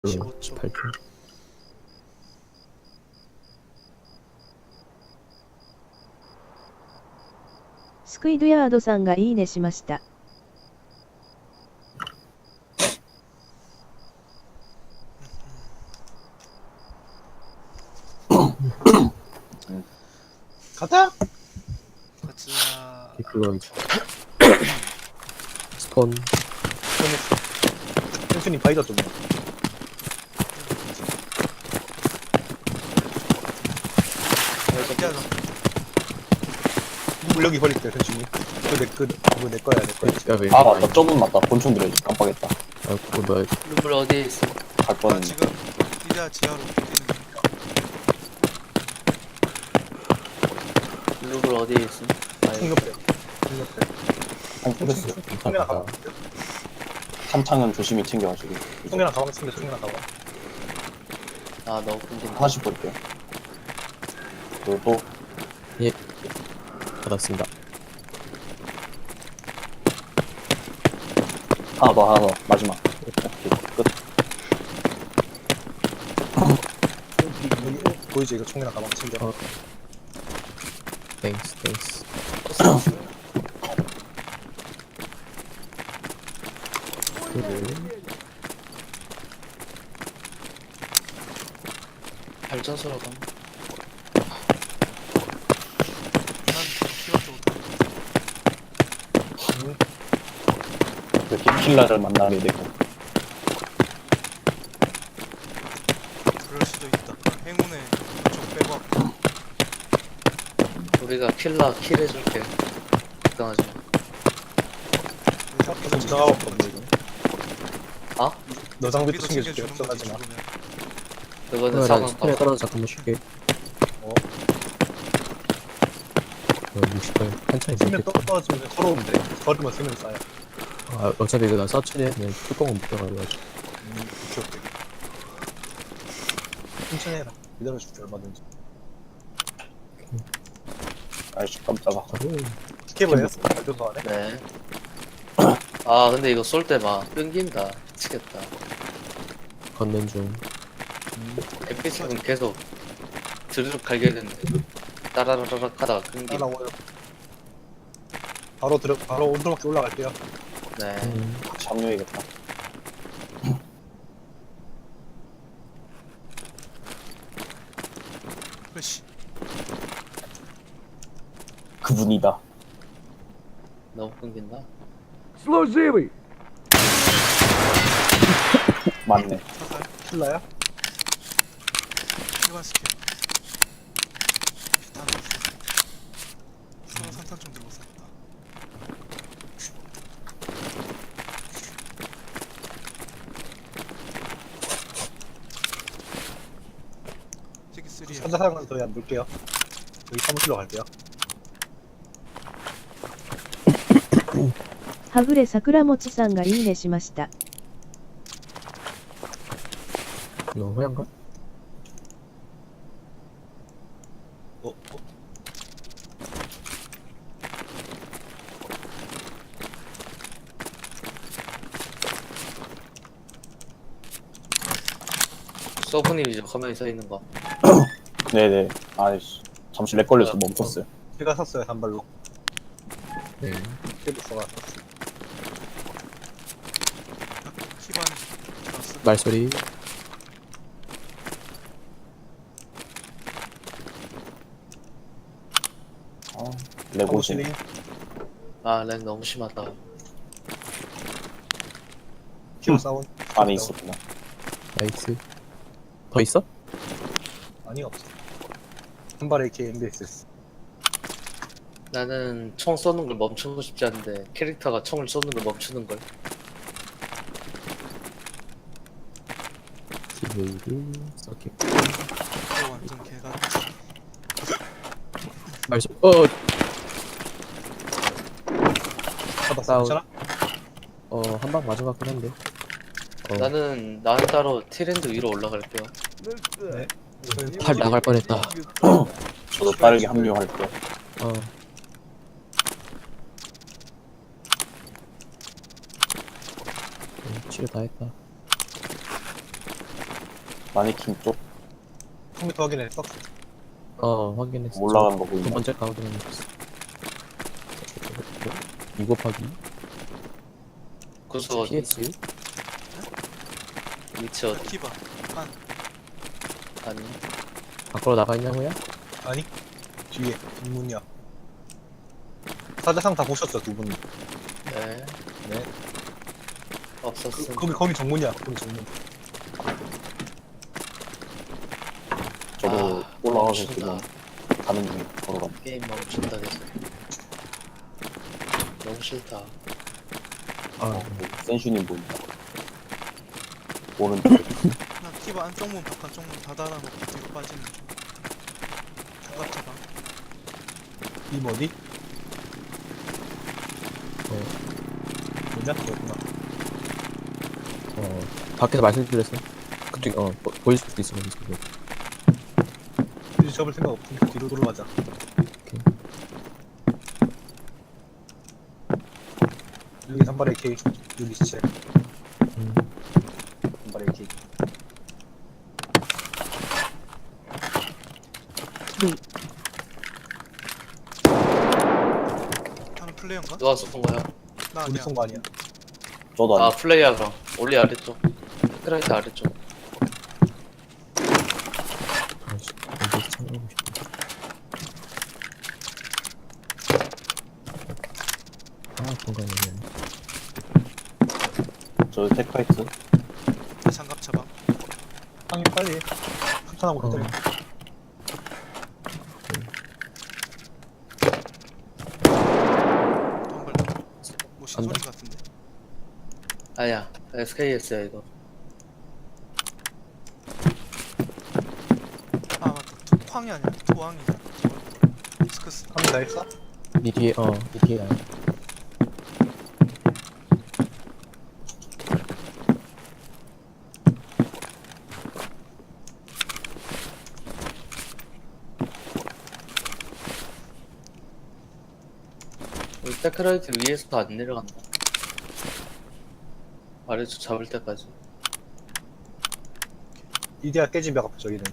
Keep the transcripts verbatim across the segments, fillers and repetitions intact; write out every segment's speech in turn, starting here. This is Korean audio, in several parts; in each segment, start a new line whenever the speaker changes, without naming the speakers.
십오 초.
십팔 초.
スクイドヤードさんがいいねしました。
가자! 가자.
그거 이제 스폰
손했어. 현수님 바이더 좀 해. 야, 물력이 버릴게, 현수님. 그거 내, 그, 그거 내 거야, 내 거야.
야, 왜
아 맞다, 저분 맞다. 본총 들어야지. 깜빡했다.
아 그거 뭐야?
룸블 어디에 있어?
갈
나
뻔했네.
지금 이자 지하로 뛰는 중.
룸블 어디에 있어? 아,
총 옆에. 총 옆에.
한 뜯었어.
총이랑 가방.
탄창은 조심히 챙겨가지고.
총이랑 가방 챙겨, 총이랑 가방.
아 너무 끊긴다.
하나씩 볼게요. 그리고
받았습니다.
하나 더, 하나 더. 마지막. 오케이, 끝.
여기 보이지? 이거 총이랑 가방 챙겨.
어. 땡스 땡스.
발전소로 가.
난 키워 쪽으로.
이렇게 킬러를 만나게 되고.
그럴 수도 있다. 행운의 쪽 빼고 왔고.
우리가 킬러 킬 해줄게. 걱정하지 마.
계속 들어가고 없거든, 이거.
어?
너 장비도
아,
챙겨줄게, 걱정하지 마.
그거는
그거를
사망
스폰에
봐.
떨어져 잠깐만 쉴게.
어.
어 육십 발 한참
쓰면
있겠다.
떠- 떨어지면 걸어오면 돼. 걸으면 쓰면 쌓여.
아 어차피 이거 나 사천에 그냥 뚜껑은 못 들어가고.
음, 오케이, 오케이. 천천히 해라. 기다려줄게, 얼마든지.
아이씨, 깜짝아.
스케이블 했어? 발전소 안에?
네. 아 근데 이거 쏠 때 막 끊긴다. 미치겠다.
걷는 중.
엠피씨는 계속 드르륵 갈겨야 되는데 따라라락 하다가 끊김.
따라와요. 바로 들어, 바로 온도밖에 올라갈게요.
네.
음.
같이 합류해야겠다.
그렇지.
그분이다.
너무 끊긴다.
맞네.
사살. 킬러야? 일반 스킬. 다 넣었어. 서로 산탄 좀 들고 쌌다. 저기 쓰리. 산자상은 저희 안 볼게요. 여기 사무실로 갈게요.
はぐれ桜餅さんがいいねしました。
이거 호양가?
어? 어?
서브님 이제 화면에 서 있는 거.
네네. 아이씨. 잠시 렉 걸려서 멈췄어요.
제가 샀어요, 한 발로.
네.
케이블서가 샀어요. 키반 샀어.
말소리.
아, 레고진.
사무실이
아렉 너무 심하다.
키워 사운.
안에 있었구나.
나이스. 더 있어?
아니, 없어. 한 발에 이렇게 엠비에스에스.
나는 총 쏘는 걸 멈추고 싶지 않은데 캐릭터가 총을 쏘는 걸 멈추는 걸.
기브이드 서킷.
이거 완전 개가.
말소. 어.
받았어,
사운.
괜찮아?
어 한 방 맞은 것 같긴 한데. 어.
나는 나는 따로 티랜드 위로 올라갈게요.
네.
팔 나갈 뻔했다.
저도 빠르게 합류할게요.
어. 음, 치료 다 했다.
마네킹 쪽
컴퓨터 확인해. 박스.
어 확인했어.
올라간 거
두
보이네.
번째 거 확인했어. 이 곱하기
구수 어디?
피에스
위치 어디?
키바. 안.
아니.
밖으로 나가 있냐고요?
아니 뒤에 뒷문이야. 사자상 다 보셨죠 두 분이.
네.
네. 그,
없었음.
거기 거기 정문이야. 거기 정문.
저도
아,
올라가서
멈춘다.
지금 가는 중에 걸어가.
게임 멈춘다 계속. 너무 싫다.
아
센슈님 보인다. 오른쪽에.
나 키바 안쪽문 바깥쪽문 다 달아놓고 뒤로 빠지는 중. 장갑 차방.
이 어디?
어,
뭐냐? 그렇구나.
어 밖에서 말씀드렸어. 그쪽 어 보, 보일 수도 있어. 보일 수도 있어.
이제 접을 생각 없으니까 뒤로 돌아가자. 여기 단발 에이케이. 여기 시체.
음.
단발 에이케이.
방금 플레이어인가?
누가 쏜 거야?
나
우리
아니야.
쏜거 아니야.
저도
아
아니.
플레이야 그럼. 올리 아래쪽. 크라이트 아래쪽.
아이씨, 여기 참고하고 싶다. 아 공간이네.
저 테크하이트.
장갑 차방.
형이 빨리. 추천하고
어.
기다려.
한발 더. 뭐 신소리
간다.
같은데.
아니야. 에스케이에스야 이거.
아 맞다. 투쾅이 아니야. 투왕이잖아. 스크스.
한다 했어?
니 뒤에 어니 뒤에 나야.
우리 테크라이트 위에서도 안 내려간다. 아래쪽 잡을 때까지.
이데아 깨지면 아까 저기는.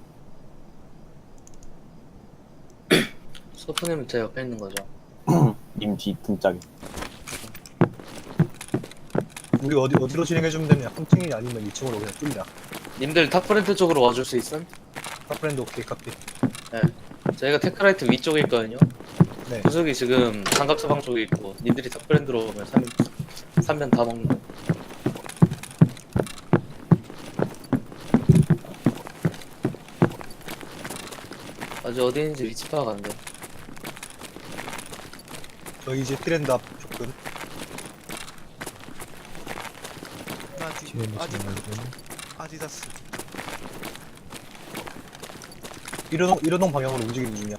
소프님은 제 옆에 있는 거죠.
님 뒤 등짝에.
우리 어디 어디로 진행해주면 되냐? 삼 층이 아니면 이 층으로 그냥 뚫자.
님들 탑프렌트 쪽으로 와줄 수 있음?
카프렌드 오케이 카피.
저희가 테크라이트 위쪽에 있거든요.
네.
구석이 지금 장갑 사방 쪽에 있고 님들이 탑프렌드로 오면 삼 삼면 다 먹는 거. 아직 어디 있는지 위치 파악 안 돼.
저희 이제 트렌드 앞 조금.
나 뒤.
뒤에 있는
아디
친구 말고.
아디다스.
일호동 일호동 방향으로 움직이는 중이야.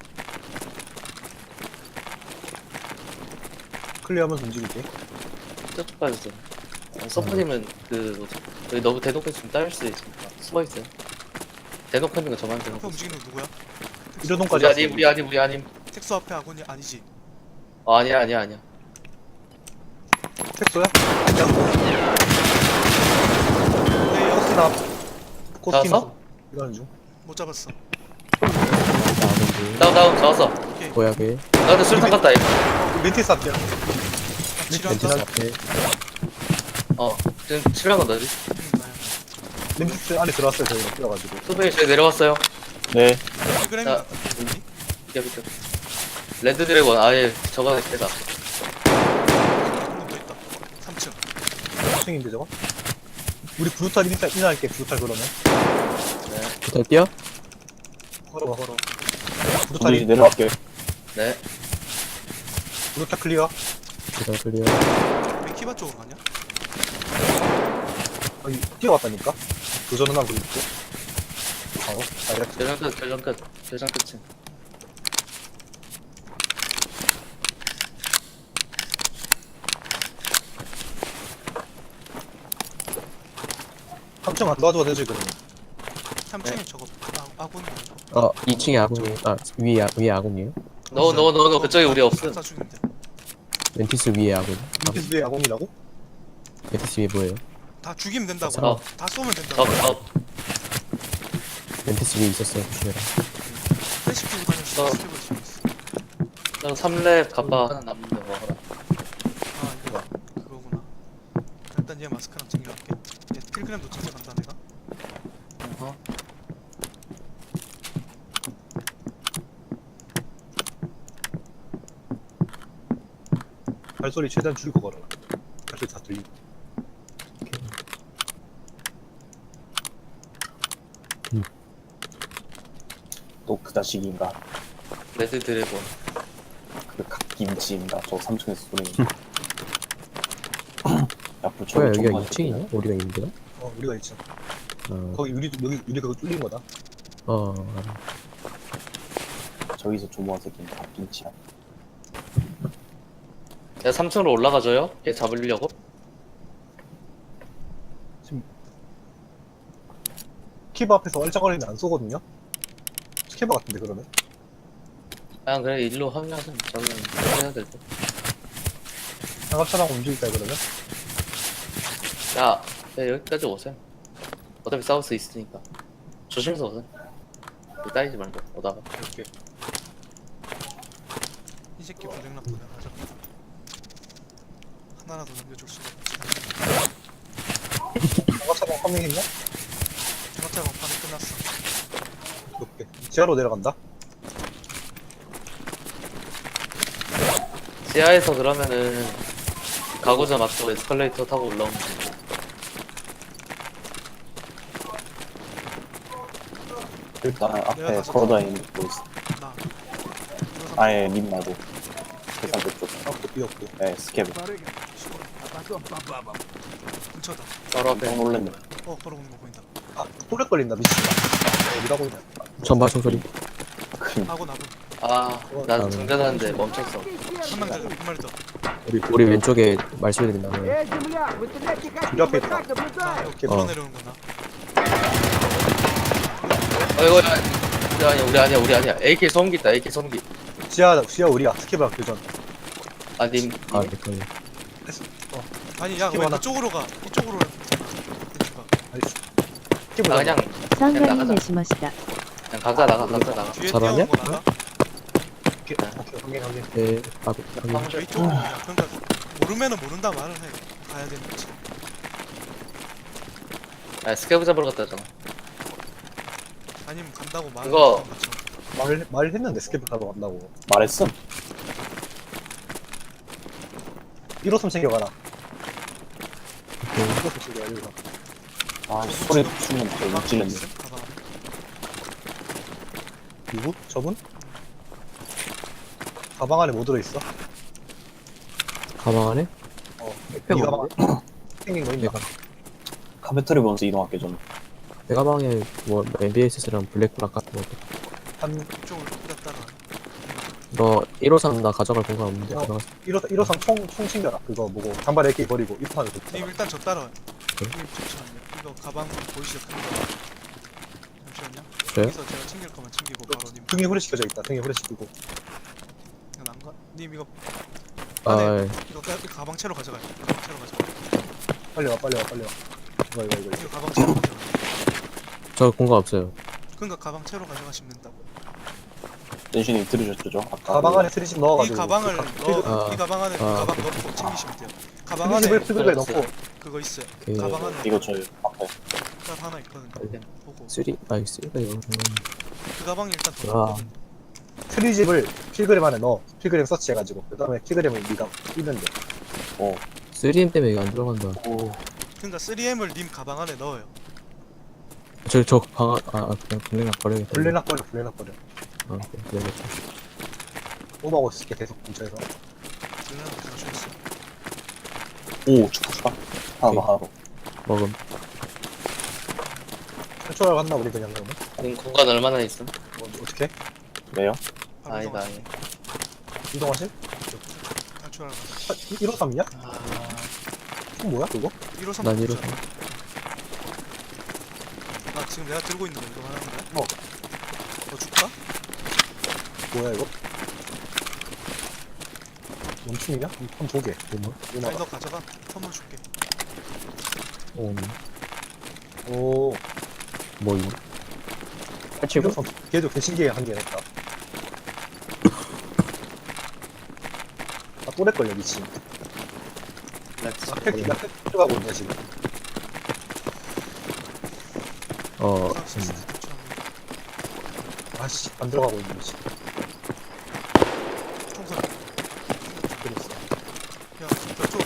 클리어하면서 움직일게.
저쪽까지 좀. 어, 서프님은 그 뭐지? 여기 너무 대놓고 있으면 따를 수 있으니까 숨어 있어요. 대놓고 있는 거 저만
앞에
대놓고. 있어요.
움직이는 거 누구야?
일호동까지
우리
왔어.
아님, 우리 아님, 우리 아님.
텍소 앞에 아군이 아니지.
어, 아니야, 아니야, 아니야.
택소야? 아니야.
네, 여기
코스나 앞. 코스팀
잡았어?
이러는 중.
못 잡았어.
나오는데
다운, 다운, 잡았어.
오케이.
보약에
나한테 술탄 갔다, 이거.
멘티스 앞이야.
나 치료한다.
멘티스 앞에
어, 지금 치료한 건 너지?
음, 나야.
멘티스 안에 들어왔어요 저희가 뛰어가지고.
소배이 저기 내려왔어요.
네.
필그램이
자,
같은데. 여기?
비켜, 비켜. 레드 드래곤, 아예 저거 대다.
한번 더 있다. 삼 층.
삼 층인데 저거? 우리 브루탈 일단 인할게 브루탈 그러면.
네,
부터 뛰어?
걸어봐 걸어.
우리
브루탈이
내려갈게.
네.
브루탈 클리어.
부터 클리어.
우리 키바 쪽으로 가냐?
아니 뛰어왔다니까. 도전은 하고 있고. 바로 다이렉트.
결정 끝, 결정 끝. 결정 끝임.
삼 층 안 도와줘도 되지 그러면.
삼 층에 저거 아, 아군이 아니고.
어 이 층에 아군이 아 위에 아, 위에 아군이에요?
너, 너, 너, 너, 그쪽에 우리 없음.
사 중인데.
멘티스 위에 아군.
멘티스 위에 아공이라고?
멘티스 위에 뭐예요?
다 죽이면 된다고.
어.
다 쏘면 된다고.
적, 적.
엠피씨 위에 있었어요. 조심해라.
플래시 피고 다녔어.
어.
스텝을 치고 있어.
난 삼 렙 갑바 하나 남는데 먹어라.
아 이거 그거구나. 일단 얘 마스크랑 챙겨갈게. 얘 필그램도 챙겨간다 내가.
어허.
발소리 최대한 줄이고 걸어라. 발소리 다 들리고.
또 그 자식인가?
레드 드래곤.
그 갓김치인가? 저 삼 층에서 소리. 야, 불
뭐야,
좀
여기가
맞았네.
이 층이냐? 우리가 있는데요?
어 우리가 있죠.
어,
거기 우리 여기 우리가 그거 뚫린 거다.
어, 알아.
저기서 조모한 새끼는 갓김치야.
내가 삼 층으로 올라가줘요? 얘 잡으려고?
스케이브 앞에서 얼짱거리면 안 쏘거든요. 스케이브 같은데 그러면?
아 그래 일로 합류하세요. 저는 해야 될 때.
장갑차랑 움직일까요 그러면?
야, 야 여기까지 오세요. 어차피 싸울 수 있으니까. 조심해서 오세요. 이거 따이지 말고 오다가.
이렇게.
이 새끼 고장났다 내가 가져. 하나라도 남겨줄 수가 없지.
장갑차랑 파밍했냐?
장갑차 막판이 끝났어.
이렇게. 지하로 내려간다.
지하에서 그러면은 가고자 맞고 에스컬레이터 타고 올라오면 돼.
일단
내가
앞에
가서
걸어다니는 거 있어.
나.
아예 님 나도. 계산대 쪽.
아무도 비었고.
네, 스케브.
근처다.
바로 앞에.
깜짝 놀랐네.
어 걸어오는 거 보인다.
아 또렉 걸린다 미친다. 어디다 보이냐?
전방 총소리.
큰
아군 아군.
아, 난
아,
중단하는데 멈췄어.
한명 더. 한 마리 더.
우리, 우리 왼쪽에 말소리 들린다.
우리 앞에 있다.
나
이렇게
어.
물어내려오는구나.
어 이거 야, 우리 아니야 우리 아니야 우리 아니야. 에이케이 소음기 있다 에이케이 소음기.
지하 지하 우리야. 스케이브랑 교전.
아님
아, 헷갈려.
아니 야 왜
스킵 하나.
그쪽으로 가? 이쪽으로 했잖아. 이쪽가.
알겠어. 스케이브
나 그냥
さんがいい
나가자.
ねしました。
그냥 각자 나가 각자 나가.
뒤에
잘하냐?
뛰어오는 거 나가?
오케이 오케이 확인 확인.
네, 아, 아,
저 이쪽으로 그냥 그러니까 모르면은 모른다 말을 해. 가야 되는 거지.
아 스케브 잡으러 갔다 했잖아.
아니면 간다고 말을
그거-
하는 거죠.
말 말했는데 스케이브 가러 간다고.
말했음.
일호선 챙겨가라.
오케이.
일호선 챙겨가 일호선.
아, 소리 추면 더 움찔렸네.
가방.
누구? 저분? 가방 안에 뭐 들어있어?
가방 안에?
어.
백팩
네 가방
없는데?
안에 생긴 거 있나?
내가,
카페터리 먼저 이동할게, 좀.
내 가방에 뭐, 엠비에스랑 블랙블락 같은 거.
한
이쪽으로 갔다가
너 일호삼 나 가져갈 공간 없는데,
어.
가져갔어.
일호선 일호선 총, 총 챙겨라. 그거 뭐고 장발 에이케이 버리고 일호선에
님
붙여.
일단 저 따라와요.
네?
님 잠시만요. 이거 가방 보이시죠? 큰 거. 잠시만요.
저요?
여기서 제가 챙길 거만 챙기고 바로 님.
등에 후레시켜져 있다. 등에 후레시키고.
이거 난 거? 님 이거
아,
네.
예.
이거 가, 이거 가방 채로 가져가요. 가방 채로 가져가.
빨리 와 빨리 와 빨리 와. 이거 이거 이거.
이거 가방 채로 가져가.
저 공간 없어요.
그러니까 가방 채로 가져가시면 된다고.
댄슈님 들으셨죠? 아까.
가방 안에 트리집
이
넣어가지고.
가방을 넣어,
아.
이 가방 안에 그
아.
가방 넣고 챙기시면 돼요. 가방 안에
트리집을 트리집에
들어갔어요.
넣고.
그거 있어요.
오케이.
가방 안에
이거 저희 앞에.
딱 하나 있거든요.
알겠네.
보고
쓰리, 아이, 쓰리가 이거.
그 가방이 일단
아.
들어거든요.
트리집을 필그램 안에 넣어. 필그램 서치해가지고. 그 다음에 필그램을 네가 끼면 돼.
어.
쓰리엠 때문에 이거 안 들어간다.
오.
그러니까 쓰리엠을 님 가방 안에 넣어요.
저, 저 방, 아, 아, 그냥 블랙락 버려야겠다.
블레낙 버려 블레낙 버려.
아, 오케이, 그래야겠다.
오버하고 있을게 계속 근처에서.
그냥 잠시만요.
오, 축하, 축하. 하나 더, 하나 더.
먹음.
탈출하러 갔나 우리 그냥 그러면?
님 공간 얼마나 있음?
뭐, 어떻게?
왜요?
바로
아니다
이동하세요.
아니.
이동하실?
탈출하러 가자.
일호삼이냐?
아,
총 뭐야 그거?
일호선
난
먹자.
일호선.
아 지금 내가 들고 있는 거 이거 하는 거야?
어.
너 줄까?
뭐야 이거? 원충이냐? 한번 보게. 뭐야?
아니
누나가.
너 가져가. 선물 줄게.
오,
오.
뭐, 이거. 팔칠구?
걔도 개신기에 한 개 냈다. 아, 또 렉걸려, 미친.
렉스.
아, 팩, 나 팩, 들어가고 있네, 지금.
어,
아, 진짜
음,
대충
아씨, 안 들어가고 있네, 미친.
총선.
그랬어.
야, 저쪽.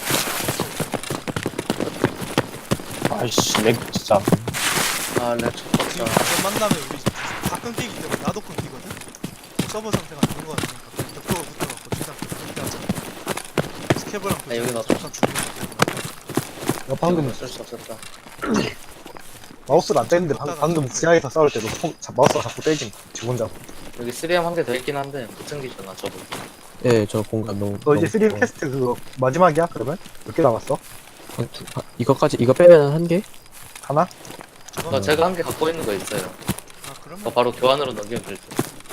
아이씨 렉 진짜.
아, 렉
지금
쳤다.
이번 만나면 우리 다 끊기기 때문에 나도 끊기거든? 서버 상태가 안 좋은 거 같으니까 그냥 벽도가 붙어갖고 최대한 끊기하자. 스케버랑
아, 여기 놔둬.
잠깐 죽는 거
야, 방금
어쩔 수 없었다.
마우스를 안 떼는데 방, 방금 지하에서 싸울 때도 통, 자, 마우스가 자꾸 떼지. 지 혼자.
여기 쓰리엠 한 개 더 있긴 한데 못 챙기잖아 저거.
예, 저 공간 너무.
너 이제
너무-
쓰리엠
어,
캐스트 그거 마지막이야, 그러면? 몇 개 남았어?
한 두- 한- 이거까지, 이거 빼면 한 개?
하나?
저거?
어, 제가 한 개 갖고 있는 거 있어요.
아 그러면
그거 바로 교환으로 넘기면 될 듯.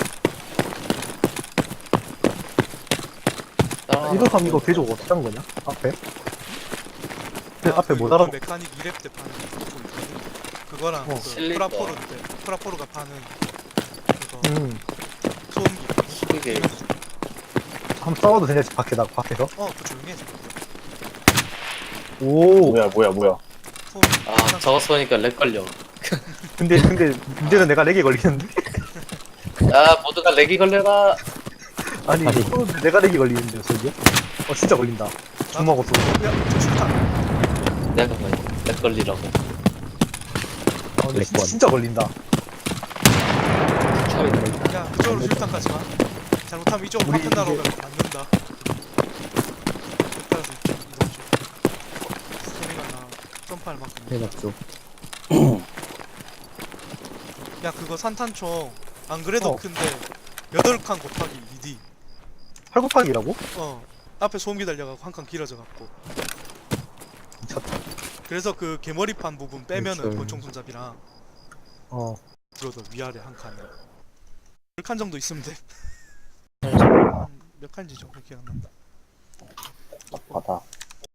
따라
일호삼 이거 개조 어떻게 한 거냐? 앞에? 그
아,
앞에
그
못
요즘
알아.
메카닉 이 렙 때 파는 그거 있거든? 그거랑
어.
그
실리버.
프라포르 때 프라포르가 파는 그거
음.
소음기
이게
한번 싸워도 되냐, 밖에, 나, 밖에서?
어 그거 조용히 해 저거
오.
뭐야 뭐야 뭐야.
소음기
아 저거 쏘니까 렉 걸려.
근데, 근데, 문제는 내가 렉이 걸리는데?
야 모두가 렉이 걸려라.
아니,
아니.
쏘는데 내가 렉이 걸리는데요, 저기? 어, 진짜 걸린다. 주먹 없어.
야저 출탄
내가 뭐렉 걸리라고.
아, 근데 진짜,
렉권.
진짜 걸린다.
야 그쪽으로 출탄 가지마 잘못하면 이쪽으로
우리
파편 나러
이게-
가면 맞는다 따라서 이쪽 이동 중 소리가 나 점프할 만큼
해납 쪽.
야 그거 산탄총 안 그래도
어.
큰데 여덟 칸 곱하기 이 디
팔 곱하기라고?
어 앞에 소음기 달려가고 한 칸 길어져 갖고
미쳤다.
그래서 그 개머리판 부분 빼면은
그쵸.
권총 손잡이랑
어.
들어도 위아래 한 칸이요 열 칸 정도 있으면 돼. 몇 칸지죠? 기억 안 난다.
바다.